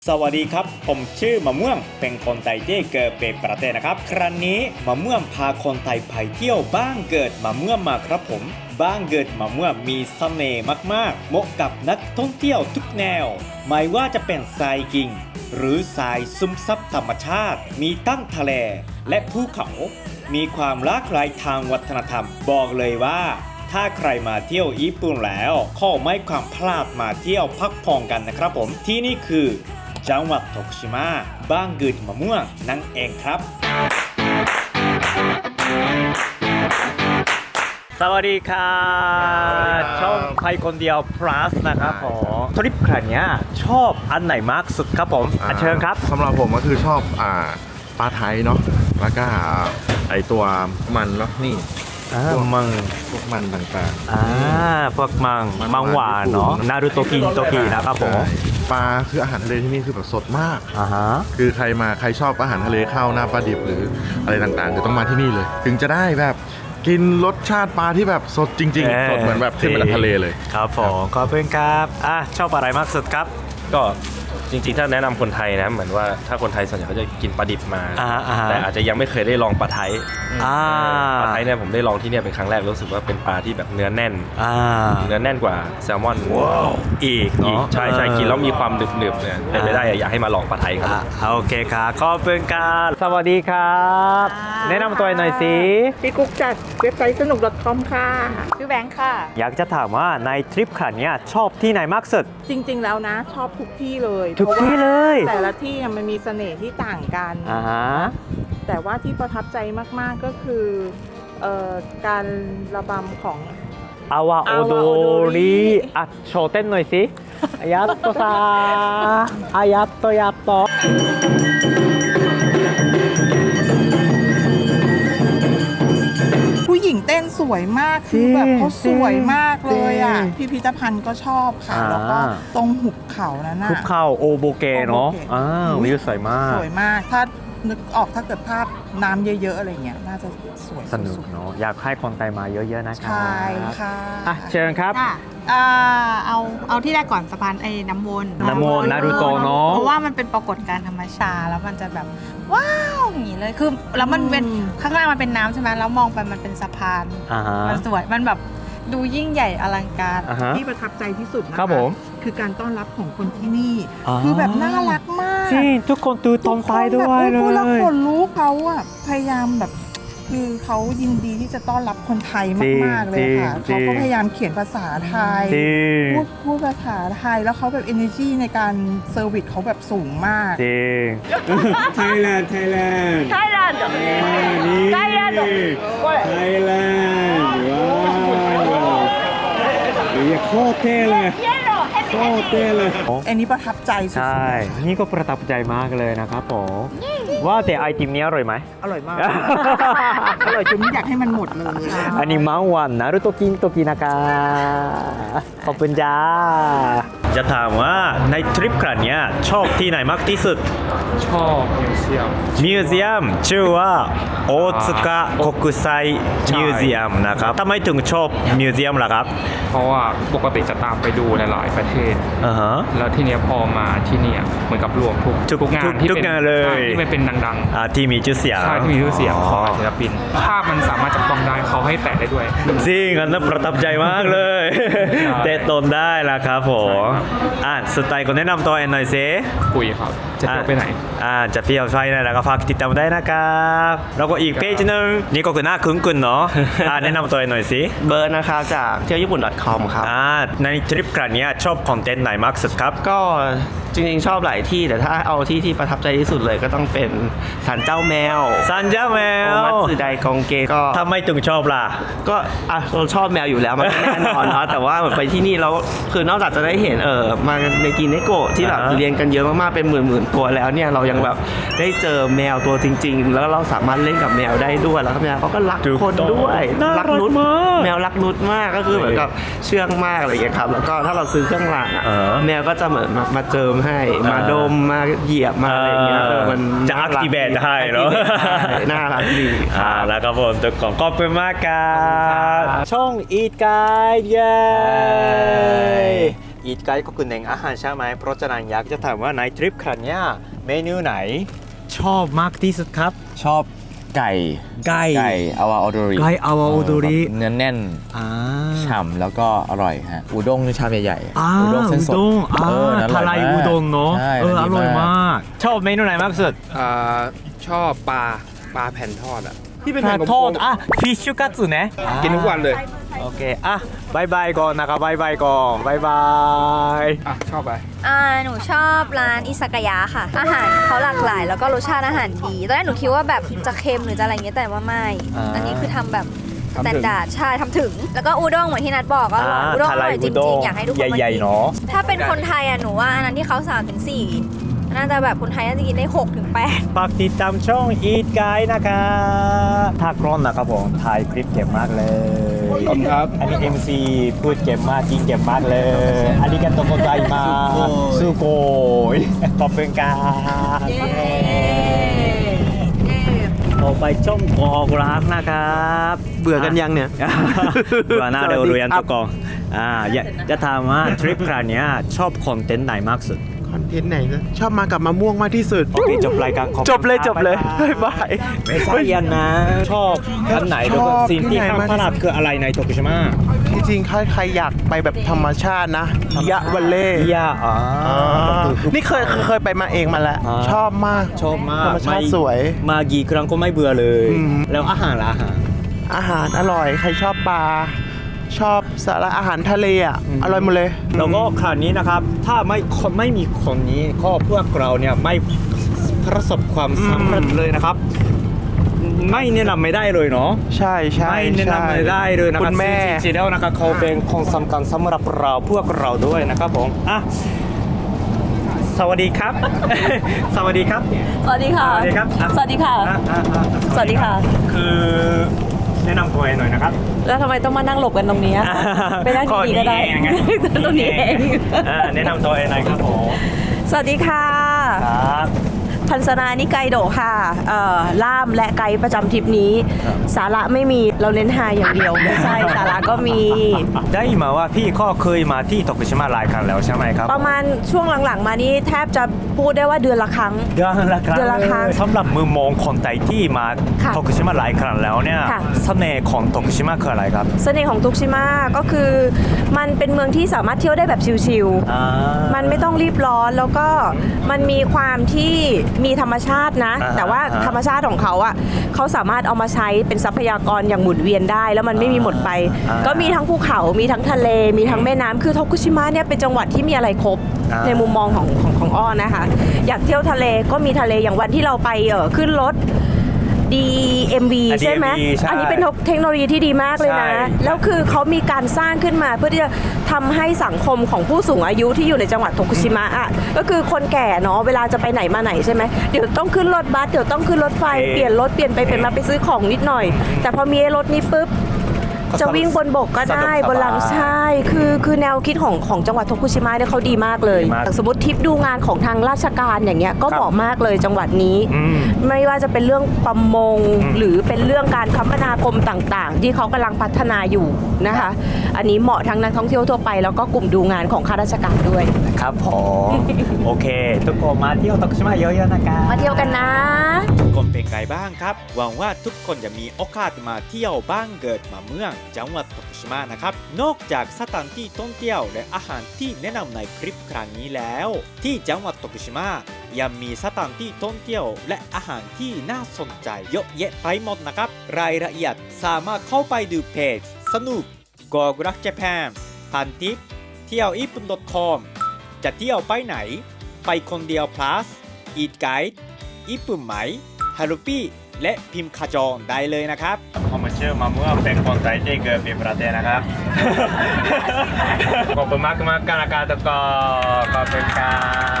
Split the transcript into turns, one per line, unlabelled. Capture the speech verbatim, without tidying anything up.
สวัสดีครับผมชื่อมะม่วงเป็นคนไทยที่เกิดเป็นประเทศนะครับครั้งนี้มะม่วงพาคนไทยไปเที่ยวบ้านเกิดมะม่วงมาครับผมบ้านเกิดมะม่วงมีเสน่ห์มากๆเหมาะกับนักท่องเที่ยวทุกแนวไม่ว่าจะเป็นทรายกิ่งหรือทรายซึมซับธรรมชาติมีตั้งทะเลและภูเขามีความหลากหลายทางวัฒนธรรมบอกเลยว่าถ้าใครมาเที่ยวญี่ปุ่นแล้วขอไม่ความพลาดมาเที่ยวพักผ่อนกันนะครับผมที่นี่คือจังหวัดโตกุชิมะบ้านเกิดมะม่วงนั่นเองครับสวัสดีครับช่องไปคนเดียว plus นะครับผมทริปครั้งนี้ชอบอันไหนมากสุดครับผมอ่ะเชิญครับ
สำหรับผมก็คือชอบอ่าปลาไทยเนาะแล้วก็ไอตัวมันเนาะนี่พวกมังพวกมันต่างๆ
อ่าพวกมังมังหวานเนาะนารูโตกินโตกินะครับผม
ปลาคืออาหารทะเลที่นี่คือแบบสดมาก
อ่าฮะ
คือใครมาใครชอบอาหารทะเลข้าวหน้าปลาดิบหรืออะไรต่างๆจะต้องมาที่นี่เลยถึงจะได้แบบกินรสชาติปลาที่แบบสดจริงๆสดเหมือนแบบเทมจากทะเลเลย
ครับผมขอบคุณครับอ่ะชอบอะไรมากสุดครับ
ก็จริงๆถ้าแนะนำคนไทยนะเหมือนว่าถ้าคนไทยส่วนใหญ่เขาจะกินปลาดิบมาแต่อาจจะยังไม่เคยได้ลองปลาไทยปลาไทยเนี่ยผมได้ลองที่เนี่ยเป็นครั้งแรกรู้สึกว่าเป็นปลาที่แบบเนื้อแน่นเนื้อแน่นกว่าแซลมอน
อีก
อีกใช่ใช่กินแล้วมีความหนึบๆเนี่ยเป็นไปได้อยากให้มาลองปลาไทยครับ
โอเคครับขอบคุณครับสวัสดีครับแนะนำตัวหน่อยสิ
พี่กุ๊กจากเว็บไซต์สนุก .com ค่ะชื่อแบงค์ค่ะ
อยากจะถามว่าในทริปครั้งนี้ชอบที่ไหนมากสุด
จริงๆแล้วนะชอบทุกที่เลย
ทุกที่เลย
แต่ละที่มันมีเสน่ห์ที่ต่างกัน
อ่าฮะ
แต่ว่าที่ประทับใจมากๆก็คือเอ่อการระบำของ
อาวาโอโดริอ่ะโชว์เต้นหน่อยสิอายาโตซาอายาโตยาโต
ผู้หญิงเต้นสวยมากคือแบบเขาสวยมากเลยอ่ะพิพิธภัณฑ์ก็ชอบค่ะแล้วก็ตรงหุบเขานั้นน่ะ
หุบเขาโอโบเกเนาะอ่าวิวสวยมาก
สวยมากถ้านึกออกถ้าเกิดภาพน้ำเยอะๆอะไรเงี้ยน่าจะสวย
สนุกเนาะอยากให้คนไทยมาเยอะๆนะครับ
ใช่ค่ะ
อ่ะเชิญครับ
อ่าเอาเอาที่แรกก่อนสะพานไอ้น้ำวน
น้ำวนนารูโตะเนาะ
เพราะว่ามันเป็นปรากฏการณ์ธรรมชาติแล้วมันจะแบบว้าวอย่างนี้เลยคือแล้วมันเป็นข้างล่างมันเป็นน้ำใช่ไหมแล้วมองไปมันเป็นสะพานมันสวยมันแบบดูยิ่งใหญ่อลังการ
ที่ประทับใจที่สุดนะคะ
ครับผม
คือการต้อนรับของคนที่นี่คือแบบน่ารักมาก
จริงทุกคนตื่นตรงใจด้วยเลย
พูดแล้วขนลุกเขาอะพยายามแบบคือเขายินดีที่จะต้อนรับคนไทยมากๆเลยค่ะเขาก็พยายามเขียนภาษาไทยพูดพูดภาษาไทยแล้วเขาแบบ energy ในการเซอร์วิสเขาแบบสูงมาก
จริงไทยแลนด์ไทยแลนด์
ไทยแลนด์
นี่ไทยแลนด์ไทยแลนด์ว้าวนี่โคตรเท่เลยโคตรเท่เลย
อันนี้ประทับใจสุด
ใช่นี่ก็ประทับใจมากเลยนะครับผมว่าแต่ไอติมนี้อร่อยไหม
อร่อยมากอร่อยจนไม่อยากให้มันหมดเลย
อันนี้มังวันนารุโตกินโตกินากาขอบคุณจ้าจะถามว่าในทริปครั้งนี้ชอบที่ไหนมากที่สุด
ชอบมิวเซียม
มิวเซียมชื่อว่าโอซึกะโคกุไซมิวเซียมนะครับทำไมถึงชอบมิวเซียมล่ะครับ
เพราะว่าปกติจะตามไปดูหลายๆประเทศ
อ่าฮะ
แล้วทีเนี้ยพอมาที่นี่เหมือนกับรวมทุก
ทุกงานที่เป็น
ที่มันเป็นดัง
ๆอ่าที่มีชื่อเสียง
ใช่ที่มีชื่อเสียงของศิลปินภาพมันสามารถจับต้องได้เขาให้แตะได้ด้วย
จริงอันนั้นประทับใจมากเลยเตะตนได้ละครับผมอ่ะสุดท้ายก็แนะนำตัวเองหน่อยสิ
คุยครับจะเที่ยวไปไหน
อ่าจะเที่ยวไปไหนแล้วก็ฝากติดตามได้นะครับแล้วก็อีกเพจนึงนี่ก็คือหน้าคุ้นกุนเนาะอ่าแนะนำตัวเองหน่อยสิ
เบิร์ดนะครับจากเที่ยวญี่ปุ่น .com ครับ
อ่าในทริปครั้งนี้ชอบคอนเทนต์ไหนมากสุดครับ
ก็จริงๆชอบหลายที่แต่ถ้าเอาที่ที่ประทับใจที่สุดเลยก็ต้องเป็นศาลเจ้าแมว
ศาลเจ้าแมว
มัตสึไดกองเกก็
ทำไมถึงชอบล่ะ
ก็อ่ะเราชอบแมวอยู่แล้วมันแน่นอนเนาะแต่ว่าเหมือนไปที่นี่แล้วคือนอกจากจะได้เห็นเออมาในกินเนโกะที่แบบเรียนกันเยอะมากๆเป็นหมื่นๆตัวแล้วเนี่ยเรายังแบบได้เจอแมวตัวจริงๆแล้วเราสามารถเล่นกับแมวได้ด้วยแล้วแมวเขาก็รักคนด้วยรักนุชแมวรักนุชมากก็คือเหมือนกับเชื่องมากอะไรอย่างเงี้ยครับแล้วก็ถ้าเราซื้อเครื่องรางแมวก็จะเหมือนมาเจิมให้มาดมมาเหยียบมาอะไรเงี้ย
มันจะอักติเบตให้เนาะ
น่ารักดี
อ่าแล้วก็ผมตัวของขอบคุณมากครับช่องอีทกายเย้อีทไกด์ก็คือเน้นอาหารใช่ไหมเพราะฉะนั้นอยากจะถามว่าในทริปครั้งนี้เมนูไหนชอบมากที่สุดครับ
ชอบไก่
ไก่
ไก่อาวาโอโดริ
ไก่อาวาโอโดริ
เนื้อแน่น
อ่า
ฉ่ำแล้วก็อร่อยฮะอูด้งนี่ชามใหญ่
อ่า
ๆอูด้งเส้นสด
อุด้งอ่า
เออนั่นอ
ทา
ร่อย
ราย
มาก
อุด้งเนาะ
ใช่
เอออ
ดี
ร่อย
มาก
มาก ชอบเมนูไหนมากสุด
อ่าชอบปลาปลาแผ่นทอดอ่ะ ที่เป็น
ป
แผ่
ลาน
กล
ทอด
ม
อ่ะฟิชชูกัตสึเนี่ย
ๆกินทุกวันเลย
โอเคอ่ะบายบายก่อนนะครับบายบายก่อนบายบาย
อ่ะ ชอบไป
อ่าหนูชอบร้านอิซากายะค่ะ อาหารเขาหลากหลายแล้วก็รสชาติอาหารดีตอนแรกหนูคิดว่าแบบจะเค็มหรือจะอะไรเงี้ยแต่ว่าไม่ อันนี้คือทำแบบส
ทำถึง
แตนดาร์ดใช่ทำถึง แล้วก็อูด้งเหมือนที่นัดบอกก็อร่อยอูด้งอร่อยจริงๆ อยากให้ทุกคนมา
ใหญ่
กิ
ๆ
น
เนาะ
ถ้าเป็นคนไทยอ่ะหนูว่าอันนั้นที่เขาสามถึงสี่น่าจะแบบคนไทยน่าจะกินได้หกถึงแปด
ฝากติดตามช่อง Eat Guide นะครับถ้ากร้อนนะครับผมถ่ายคลิปเก็บมากเลย
ขอบคุณครับ
อันนี้ เอ็ม ซี พูดเก็บมากจริงเก็บมากเลยอันนี้กันโตโกไจมาสุโกยขอบคุณครับต่อไปช่องกอกรักนะครับ
เบื่อกันยังเนี่ย
เบื่อหน้าเร็วเรียนทุกกองอ่าอยากจะถามว่าทริปครั้งนี้ชอบคอนเทนต์ไหนมากสุด
คอนเทนต์ไหนนะชอบมากับมะม่วงมากที่สุด
โอเคจบรายการขอบคุณ
จบเลย
ครับ
จบเลย
บ๊ายบาย
บ๊ายบาย
ไม่ใช่ยันนะ ชอบอันไหนแล้วก็
ชอบ
สิ่งที่
ที่ไหน
ห้าม
มาก
พลาดคืออะไรในโตกุชิมะ
จริงๆใครใครอยากไปแบบธรรมชาตินะยะวันเล่
ยาอ๋อ
อ่า
คือ
นี่เคยเคยเคยไปมาเองมาแล้ว
อ่า
ชอบมาก
ชอบมาก
ธรรมชาติสวย
มากี่ครั้งก็ไม่เบื่อเลย
อืม
แล้วอาหารล่ะอาหาร
อาหารอร่อย ใครชอบปลา ชอบสาระอาหารทะเลอ่ะ อร่อยหมดเลย
แล้วก็คราวนี้นะครับ ถ้าไม่คนไม่มีคนนี้ก็พวกเราเนี่ยไม่ประสบความสำเร็จเลยนะครับ ไม่แนะนำไม่ได้เลยเนาะ
ใช่ใช่
ไม่แนะ
ใช่
นำไม่ได้เลยนะค
คุ
รับ
ณแม่
จริงๆแล้วนะครับเขาเป็นคนสำคัญสำหรับเราพวกเราด้วยนะครับผมอ่ะสวัสดีครับ สวัสดีครับ
สวัสดีค่ะ
สวัสดีครับอ่ะ
สวัสดีค่ะ
อ่ะอ่ะอ่ะ
สวัสดีค่ะ
คือแนะนำตัวเองหน่อยนะครับ
แล้วทำไมต้องมานั่งหลบกันตรงนี้อะไปนั่งดีๆก็ได้
ข้อนี้เองไง
ตรงนี้เอง
อ่าแนะนำตัวเองหน่อยครับผม
สวัสดีค่ะ
ครับ
พันสนานิไกโดะค่ะเอ่อล่ามและไกด์ประจำทริปนี้ สาระไม่มีเราเน้นฮาอย่างเดียว ไม่ใช่สาระก็มี
ได้มาว่าพี่ก็เคยมาที่โตกุชิมะหลายครั้งแล้วใช่ไหมครับ
ประมาณช่วงหลังๆ มานี่แทบจะพูดได้ว่าเดือนละครั้ง
เดือนละครั้ง
เดือนละครั้ง
สำหรับมือมองคนไทยที่มา
ค่ะ
โตกุชิมะหลายครั้งแล้วเนี่ย
ค่ะ
เสน่ห์ของโตกุชิมะคืออะไรครับ
เสน่ห์ของทุกชิมาก็คือมันเป็นเมืองที่สามารถเที่ยวได้แบบชิลๆ
อ่า
มันไม่ต้องรีบร้อนแล้วก็มันมีความที่มีธรรมชาตินะ
อ่าฮะ
แต่ว่าธรรมชาติของเขาอ่ะเขาสามารถเอามาใช้เป็นทรัพยากรอย่างหมุนเวียนได้ แล้วมันไม่มีหมดไป
อ่า
ก็มีทั้งภูเขา มีทั้งทะเล มีทั้งแม่น้ำคือโทกุชิมะเนี่ยเป็นจังหวัดที่มีอะไรครบ
อ่า
ในมุมมองของของของอ้อนะคะ อยากเที่ยวทะเลก็มีทะเลอย่างวันที่เราไปเออขึ้นรถ ดี เอ็ม วี
อ่ะ
ใช่ไหม
ดี เอ็ม วี ใช่
อันนี้เป็นเทคโนโลยีที่ดีมากเลยนะ
ใช่
แล้วคือเขามีการสร้างขึ้นมาเพื่อที่จะทำให้สังคมของผู้สูงอายุที่อยู่ในจังหวัดโทกุชิมะอ่ะก็คือคนแก่เนาะเวลาจะไปไหนมาไหนใช่ไหมเดี๋ยวต้องขึ้นรถบัสเดี๋ยวต้องขึ้นรถไฟเปลี่ยนรถเปลี่ยนไปเปลี่ยนมาไปซื้อของนิดหน่อย แต่พอมีไอ้รถนี้ปุ๊บจะวิ่งบนบกก็ได้
สะดวกสบาย
บนหลังใช่คือคือแนวคิดของของจังหวัดโทกุชิมะเนี่ยเขาดีมากเลย
ดีมาก
สมมติทริปดูงานของทางราชการอย่างเงี้ยก็เหมาะมากเลยจังหวัดนี้
อืม
ไม่ว่าจะเป็นเรื่องประมง
อืม
หรือเป็นเรื่องการคมนาคมต่างๆ ที่เขากำลังพัฒนาอยู่นะคะ อันนี้เหมาะทั้งนักท่องเที่ยวทั่วไปแล้วก็กลุ่มดูงานของข้าราชการด้วย
ครับผมโอเค ทุกคนมาเที่ยวโตกุชิมะเยอะๆนะครับ
มาเที่ยวกันนะ
ทุกคนเป็นไงบ้างครับ หวังว่าทุกคนจะมีโอกาสมาเที่ยวบ้านเกิดมาเมืองจังหวัดโตกุชิมะนะครับ นอกจากสถานที่ท่องเที่ยวและอาหารที่แนะนำในคลิปครั้งนี้แล้ว ที่จังหวัดโตกุชิมะยังมีสถานที่ท่องเที่ยวและอาหารที่น่าสนใจเยอะแยะไปหมดนะครับ รายละเอียดสามารถเข้าไปดูเพจสนุก go รัก Japan พันทิปเที่ยวญี่ปุ่น .com จะเที่ยวไปไหน ไปคนเดียว plus eat guide ญี่ปุ่นไหมฮารุปี้และพิมพ์ขจรได้เลยนะครับผมมาเชื่อมาเมื่อเป็นคนไทยที่เกิดเป็นประเทศนะครับ ขอบคุณมากมากๆนะครับทุกคนขอบคุณครับ